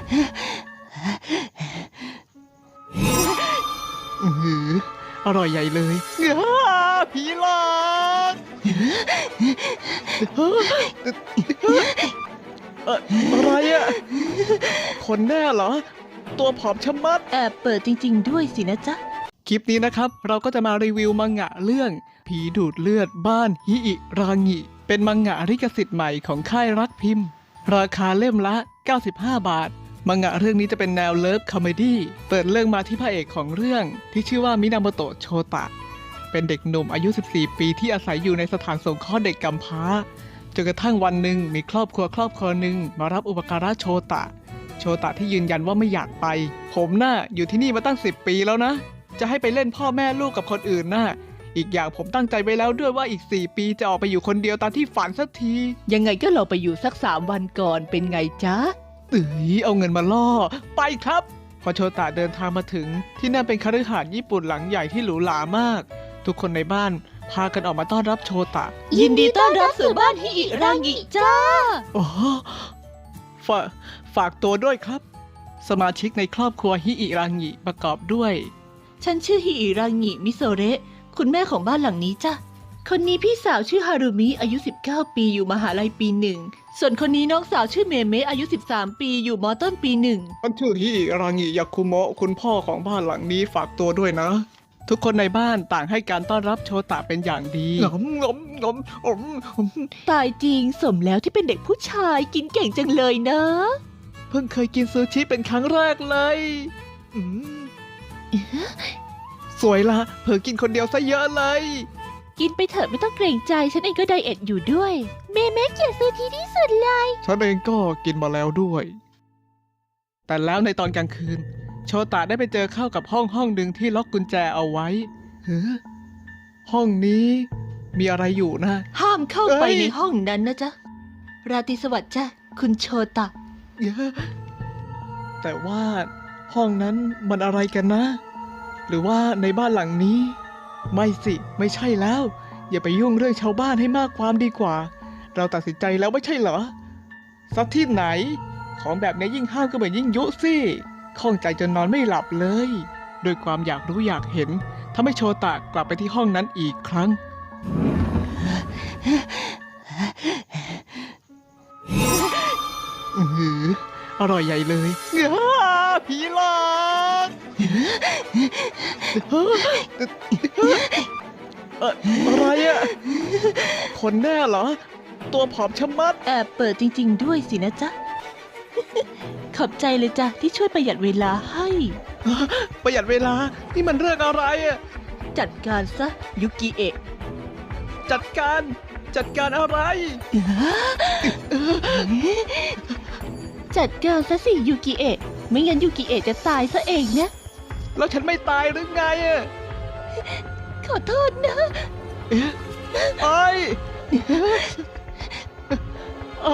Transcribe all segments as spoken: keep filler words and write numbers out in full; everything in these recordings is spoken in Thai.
อือหืออร่อยใหญ่เลยเอ้าผีหลอกเอ่ออะไรอะคนแน่เหรอตัวผอมชะมัดแอบเปิดจริงๆด้วยสินะจ๊ะคลิปนี้นะครับเราก็จะมารีวิวมังงะเรื่องผีดูดเลือดบ้านฮิอิรางิเป็นมังงะลิขสิทธิ์ใหม่ของค่ายรักพิมพ์ ราคาเล่มละ เก้าสิบห้า บาท มังงะเรื่องนี้จะเป็นแนวเลิฟคอมเมดี้เปิดเรื่องมาที่พระเอกของเรื่องที่ชื่อว่ามินาโมโตะโชตะเป็นเด็กหนุ่มอายุ สิบสี่ ปีที่อาศัยอยู่ในสถานสงเคราะห์เด็กกำพร้าจนกระทั่งวันหนึ่งมีครอบครัวครอบครัวหนึ่งมารับอุปการะโชตะโชตะที่ยืนยันว่าไม่อยากไปผมน่ะอยู่ที่นี่มาตั้งสิบปีแล้วนะจะให้ไปเล่นพ่อแม่ลูกกับคนอื่นน่ะอีกอย่างผมตั้งใจไว้แล้วด้วยว่าอีกสี่ปีจะออกไปอยู่คนเดียวตามที่ฝันสักทียังไงก็เราไปอยู่สักสามวันก่อนเป็นไงจ๊ะเอ้ยเอาเงินมาล่อไปครับพอโชตะเดินทางมาถึงที่นั่นเป็นคฤหาสน์ญี่ปุ่นหลังใหญ่ที่หรูหรามากทุกคนในบ้านพากันออกมาต้อนรับโชตะยินดีต้อนรับสู่บ้านฮิอิรางิจ้าโอ้ฝาฝากตัวด้วยครับ สมาชิกในครอบครัวฮิอิรังิประกอบด้วยฉันชื่อฮิอิรางิมิโซเระคุณแม่ของบ้านหลังนี้จ้ะคนนี้พี่สาวชื่อฮารุมิอายุสิบเก้าปีอยู่มหาลัยปีหนึ่งส่วนคนนี้น้องสาวชื่อเมเมะอายุสิบสามปีอยู่มอต้นปีหนึ่งฉันชื่อฮิอิรางิยาคุโมะคุณพ่อของบ้านหลังนี้ฝากตัวด้วยนะ ทุกคนในบ้านต่างให้การต้อนรับโชตะเป็นอย่างดีงมงมงมอมอมตายจริงสมแล้วที่เป็นเด็กผู้ชายกินเก่งจังเลยนะเพิ่งเคยกินซูชิเป็นครั้งแรกเลยอืมสวยละเผลอกินคนเดียวซะเยอะเลยกินไปเถอะไม่ต้องเกรงใจฉันเองก็ไดเอทอยู่ด้วยเมเมะเกลียดซูชิที่สุดเลยฉันเองก็กินมาแล้วด้วย แต่แล้วในตอนกลางคืน โชตะได้ไปเจอเข้ากับห้องห้องหนึ่งที่ล็อกกุญแจเอาไว้เฮ้อห้องนี้มีอะไรอยู่นะห้ามเข้าไปเอ้ยในห้องนั้นนะจ๊ะราตรีสวัสดิ์จ้ะคุณโชตะเยอะแต่ว่าห้องนั้นมันอะไรกันนะ หรือว่าในบ้านหลังนี้ ไม่สิไม่ใช่แล้ว อย่าไปยุ่งเรื่องชาวบ้านให้มากความดีกว่า เราตัดสินใจแล้วไม่ใช่เหรอสักที่ไหน ของแบบนี้ยิ่งห้ามก็เหมือนยิ่งยุสิข้องใจจนนอนไม่หลับเลยด้วยความอยากรู้อยากเห็นทำให้โชตะกลับไปที่ห้องนั้นอีกครั้ง อือหืออร่อยใหญ่เลยอ้าผีหลอกเอ่ออะไรอะคนแน่เหรอ ตัวผอมชะมัดแอบเปิดจริงๆด้วยสินะจ๊ะ ขอบใจเลยจ้ะที่ช่วยประหยัดเวลาให้ประหยัดเวลา นี่มันเรื่องอะไรอะจัดการซะยุกิเอะจัดการจัดการอะไรจัดการซะสิยูกิเอะไม่งั้นยูกิเอะจะตายซะเองนะแล้วฉันไม่ตายหรือไงอะขอโทษนะเอ๊ะไอ้อ้า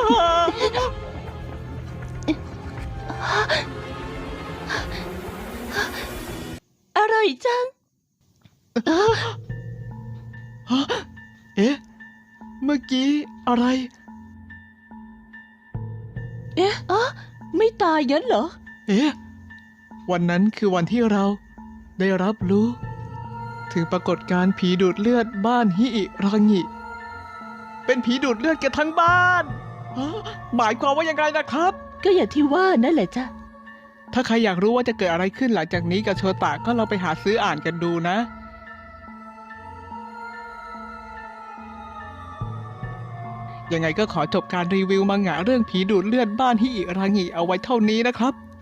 อร่อยจังเอ๊ะเมื่อกี้อะไรเอ๊ะอ๋อไม่ตายยันเหรอเอ๊ะวันนั้นคือวันที่เราได้รับรู้ ถึงปรากฏการณ์ผีดูดเลือดบ้านฮิอิรางิเป็นผีดูดเลือดกันทั้งบ้านฮะหมายความว่ายังไงนะครับก็อย่างที่ว่านั่นแหละจ้ะถ้าใครอยากรู้ว่าจะเกิดอะไรขึ้นหลังจากนี้กับโชตะก็ลองไปหาซื้ออ่านกันดูนะ ยังไงก็ขอจบการรีวิวมังงะเรื่องผีดูดเลือดบ้านฮิอิรางิเอาไว้เท่านี้นะครับ